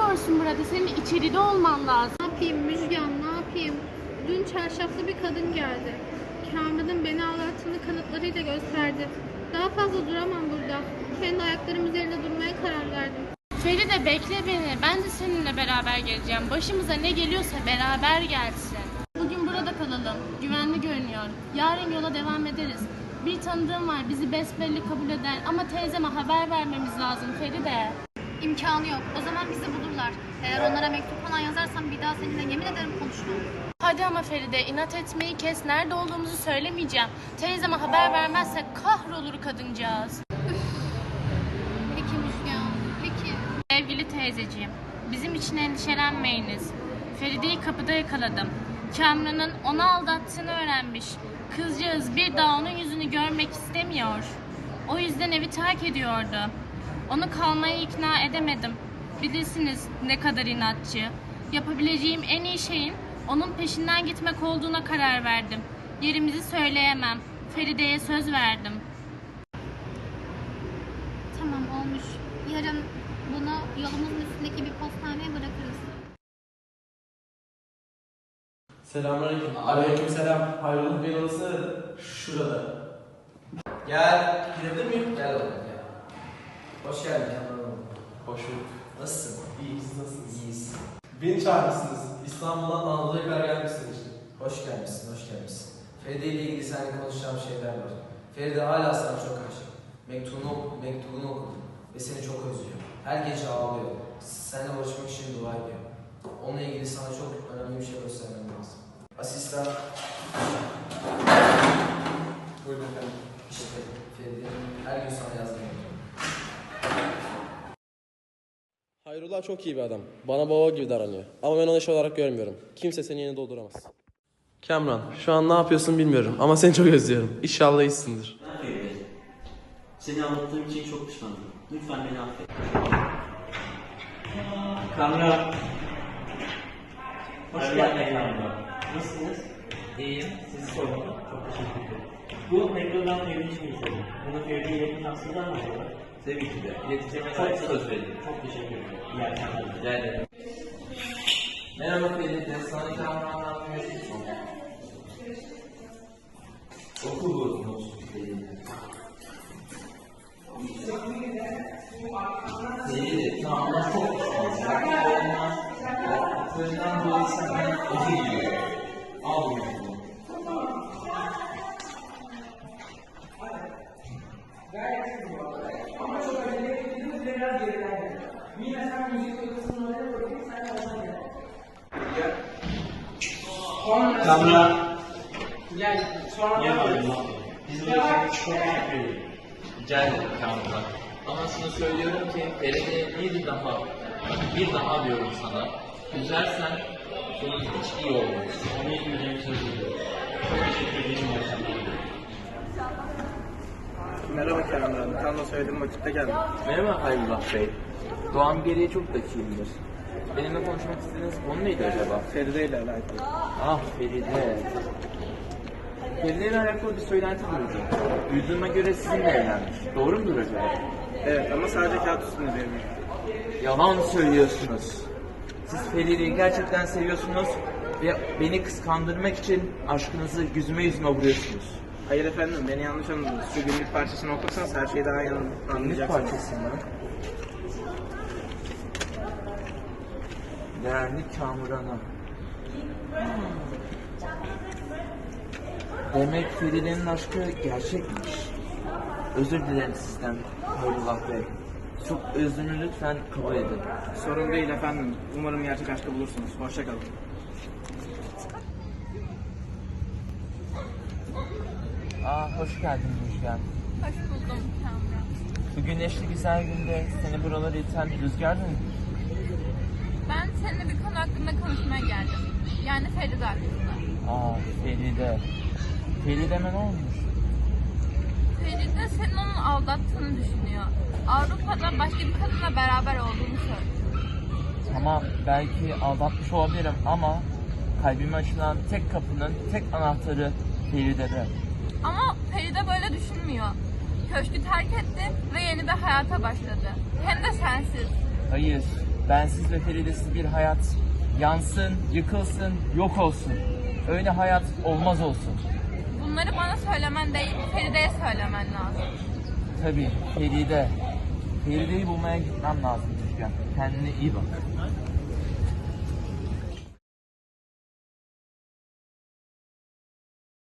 yapıyorsun burada? Senin içeride olman lazım. Ne yapayım Müjgan, ne yapayım? Dün çarşaflı bir kadın geldi. Kamran'ın beni aldattığını kanıtlarıyla gösterdi. Daha fazla duramam burada. Kendi ayaklarım üzerinde durmaya karar verdim. Feride bekle beni. Ben de seninle beraber geleceğim. Başımıza ne geliyorsa beraber gelsin. Bugün burada kalalım. Güvenli görünüyor. Yarın yola devam ederiz. Bir tanıdığım var. Bizi besbelli kabul eder. Ama teyzeme haber vermemiz lazım Feride. İmkanı yok. O zaman bizi bulurlar. Eğer onlara mektup falan yazarsam bir daha seninle yemin ederim konuşmam. Hadi ama Feride, inat etmeyi kes. Nerede olduğumuzu söylemeyeceğim. Teyzeme haber vermezsek kahrolur kadıncağız. Peki Müjgan, peki. Sevgili teyzeciğim, bizim için endişelenmeyiniz. Feride'yi kapıda yakaladım. Kamran'ın onu aldattığını öğrenmiş. Kızcağız bir daha onun yüzünü görmek istemiyor. O yüzden evi terk ediyordu. Onu kalmaya ikna edemedim. Bilirsiniz ne kadar inatçı. Yapabileceğim en iyi şeyin onun peşinden gitmek olduğuna karar verdim. Yerimizi söyleyemem. Feride'ye söz verdim. Tamam olmuş. Yarın bunu yolumuzun üstündeki bir postaneye bırakırız. Selamünaleyküm. Aleykümselam. Hayrola Bey'in odası şurada. Gel. Girebilir miyim? Gel oğlum gel. Hoş geldin Kamran. Hoş bulduk. Nasılsın? İyi, siz nasılsınız? İyiyiz. Beni çağırmışsınız. İstanbul'dan Anadolu'ya kadar gelmişsiniz işte. Hoş gelmişsin, hoş gelmişsin. Feride ile ilgili seninle konuşacağım şeyler var. Feride hala sana çok aşık. Mektubunu okudum ve seni çok özlüyor. Her gece ağlıyor. Seninle barışmak için dua ediyor. Onunla ilgili sana çok önemli bir şey göstermem lazım. Asistan. Buyurun efendim. İşte Feride her gün sana yazmayı Hayrullah çok iyi bir adam. Bana baba gibi davranıyor. Ama ben onu eş olarak görmüyorum. Kimse senin yerini dolduramaz. Kamran, şu an ne yapıyorsun bilmiyorum ama seni çok özlüyorum. İnşallah iyisindir. Feride, seni anlattığım için çok pişmanım. Lütfen beni affet. Kamran. Hoş geldin Kamran. Nasılsınız? İyiyim. Sizi sormalı. Çok teşekkür ederim. Bu mektuptan Feride'nin için istedim. Bunu Feride'ye yakın aslında mı acaba? Tabii ki de. İletişime çok söz verdim. Çok teşekkür ederim. İyi akşamlar. Rica ederim. Merhaba Feride, sana Kamran'dan bir mesaj oldu. Okul grubumuz Feride. Feride, Kamran çok pişman. Yaptıklarından dolayı senden özür diliyorum. Al bu mektubu. Kamran. Gel. Sonra yapalım. Biz de çok teşekkür ederim. Rica ederim Kamran. Ama şunu söylüyorum ki Feride bir daha diyorum sana. Üzersen sonun hiç iyi olmaz. Onu ilgileyeceğim söz veriyorum. Çok teşekkür ederim. İyi akşamlar. Merhaba Kamran. Tam da söylediğim vakitte geldim. Merhaba Hayrullah Bey. Doğan geriye çok dakiyimdir. Benimle konuşmak istediğiniz konu neydi acaba? Feride ile alakalı. Ah Feride. Feride ile alakalı bir söylenti duydum. Duyduğuma göre sizinle evlenmiş. Doğru mudur acaba? Evet ama sadece kağıt üstünde benim. Yalan söylüyorsunuz. Siz Feride'yi gerçekten seviyorsunuz ve beni kıskandırmak için aşkınızı yüzüme vuruyorsunuz. Hayır efendim, beni yanlış anladınız. Şu günlük parçasını okursanız her şeyi daha iyi Günlük anlayacaksınız. parçasından. Değerli Kamuran'a. Demek Feride'nin aşkı gerçekmiş. Özür dilerim sizden Hayrullah Bey. Çok özrümü lütfen kabul edin. Sorun değil efendim. Umarım gerçek aşkı bulursunuz. Hoşça kalın. Hoş geldin Müjgan. Hoş buldum Kamran. Bu güneşli güzel günde seni buralara iten bir rüzgar mı? Ben seninle bir konu hakkında konuşmaya geldim. Yani Feride hakkında. Feride. Feride'me ne olmuş? Feride senin onu aldattığını düşünüyor. Avrupa'da başka bir kadınla beraber olduğunu söylüyor. Tamam, belki aldatmış olabilirim ama kalbime açılan tek kapının tek anahtarı Feride'de. Ama Feride böyle düşünmüyor. Köşkü terk etti ve yeni bir hayata başladı. Hem de sensiz. Hayır, bensiz ve Feride'siz bir hayat yansın, yıkılsın, yok olsun. Öyle hayat olmaz olsun. Bunları bana söylemen değil, Feride'ye söylemen lazım. Tabii Feride. Feride'yi bulmaya gitmem lazım Müjgan. Kendine iyi bak.